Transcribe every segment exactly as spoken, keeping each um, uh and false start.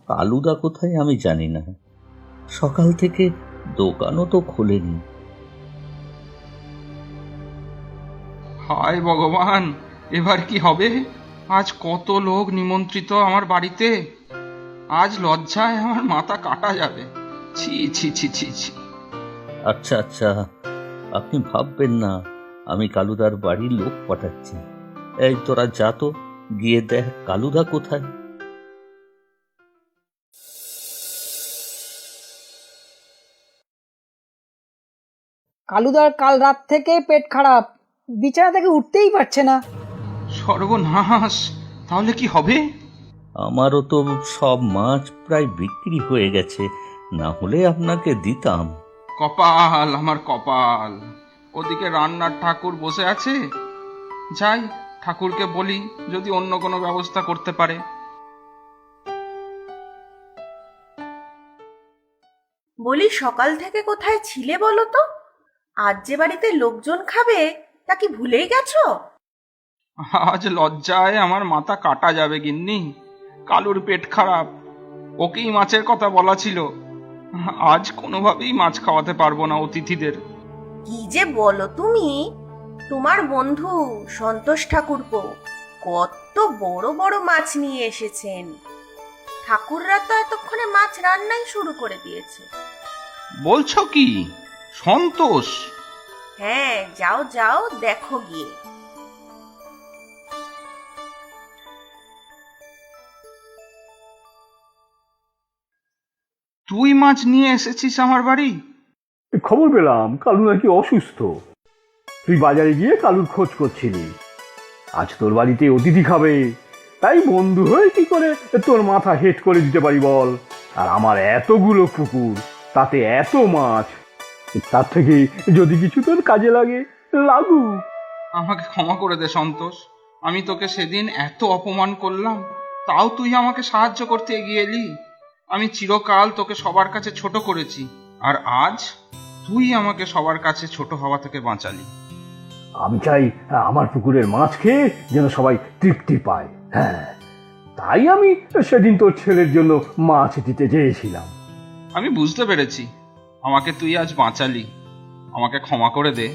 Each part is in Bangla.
কালুদা কোথায় আমি জানি না। সকাল থেকে দোকানও তো খোলেনি। হায় ভগবান, এবার কি হবে? আজ কত লোক নিমন্ত্রিত আমার বাড়িতে, আজ লজ্জায় আমার মাথা কাটা যাবে। ছি ছি ছি ছি ছি। আচ্ছা আচ্ছা, আপনি ভাববেন না আমি কালুদার বাড়ির লোক পাঠাচ্ছি। এই তোরা যা তো, গিয়ে দেখ কালুদা কোথায়। কালুদার কাল রাত থেকে পেট খারাপ, বিছানা থেকে উঠতেই পারছে না। সর্বনাশ, তাহলে কি হবে? আমারও তো সব মাছ প্রায় বিক্রি হয়ে গেছে, না হলে আপনাকে দিতাম। কপাল আমার কপাল। ওদিকে রান্নার ঠাকুর বসে আছে, যাই ঠাকুরকে বলি যদি অন্য কোনো ব্যবস্থা করতে পারে। বলি, সকাল থেকে কোথায় ছিলে বলো তো? আজ যে বাড়িতে লোকজন খাবে তা কি ভুলেই গেছো? আজ লজ্জায় আমার মাথা কাটা যাবে গিন্নি। কালুর পেট খারাপ, ওকেই মাছের কথা বলা ছিল। আজ কোনোভাবেই মাছ খাওয়াতে পারবো না অতিথিদের। কি যে বলো তুমি! তোমার বন্ধু সন্তোষ ঠাকুরপো কত বড় বড় মাছ নিয়ে এসেছেন। ঠাকুররা তো এতক্ষণে মাছ রান্নাই শুরু করে দিয়েছে। বলছো কি? সন্তোষ? হ্যাঁ, যাও যাও দেখো গিয়ে। তুই মাছ নিয়ে এসেছিস আমার বাড়ি? খবর পেলাম কালু নাকি অসুস্থ। তুই বাজারে গিয়ে কালুর খোঁজ করছিলি। আজ তোর বাড়িতে অতিথি খাবে, তাই বন্ধু হয়ে কি করে তোর মাথা হেট করে দিতে পারি বল? আর আমার এতগুলো পুকুর, তাতে এত মাছ, তার থেকে যদি কিছু তোর কাজে লাগে লাগু। আমাকে ক্ষমা করে দে সন্তোষ, আমি তোকে সেদিন এত অপমান করলাম, তাও তুই আমাকে সাহায্য করতে এগিয়ে এলি। আমি চিরকাল তোকে সবার কাছে ছোট করেছি, আর আজ তুই আমাকে সবার কাছে ছোট হওয়া থেকে বাঁচালি। আমি চাই আমার পুকুরের মাছ খেয়ে যেন সবাই তৃপ্তি পায়। হ্যাঁ, তাই আমি সেদিন তোর ছেলের জন্য মাছ দিতে চেয়েছিলাম। আমি বুঝতে পেরেছি, আমাকে তুই আজ বাঁচালি, আমাকে ক্ষমা করে দে।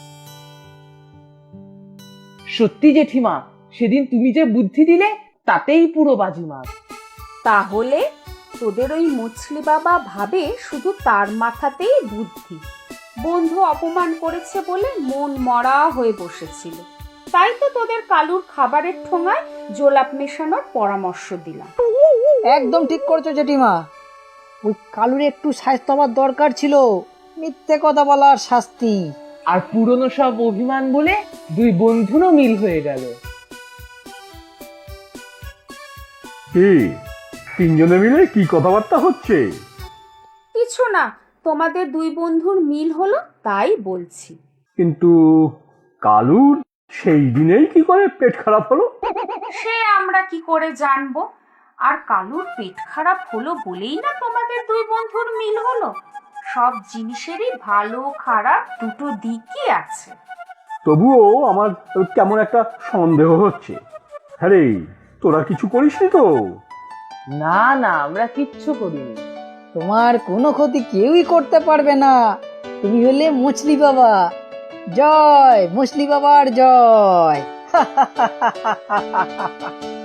সত্যি জেঠিমা, সেদিন তুমি যে বুদ্ধি দিলে তাতেই পুরো বাজিমাত। তাহলে তোদের ওই মুছলি বাবা ভাবে শুধু তার মাথাতেই বুদ্ধি। বন্ধু অপমান করেছে বলে মন মরা হয়ে বসেছিল, তাই তো তোদের কালুর খাবারের ঠোঙায় জোলাপ মেশানোর পরামর্শ দিলাম। একদম ঠিক করেছো জেঠিমা, ওই কালুর একটু স্বাস্থ্য হওয়ার দরকার ছিল, মিথ্যে কথা বলার শাস্তি। আর পুরনো সব অভিমান বলে দুই বন্ধুরও মিল হয়ে গেল। কি তিনজনে মিলে কি কথাবার্তা হচ্ছে? কিছু না, তোমাদের দুই বন্ধুর মিল হলো তাই বলছি। কিন্তু কালুর সেই দিনেই কি করে পেট খারাপ হলো? সে আমরা কি করে জানবো? আর কালুর পেট খারাপ হলো বলেই না তোমাদের দুই বন্ধুর মিল হলো। সব জিনিসেরই ভালো খারাপ দুটো দিকই আছে। তবুও আমার কেমন একটা সন্দেহ হচ্ছে। হ্যাঁ রে, তোরা কিছু করিসনি তো? না না, আমরা কিচ্ছু করিনি। তোমার কোনো ক্ষতি কেউই করতে পারবে না, তুমি হলে মুছলি বাবা। জয় মুছলি বাবার জয়।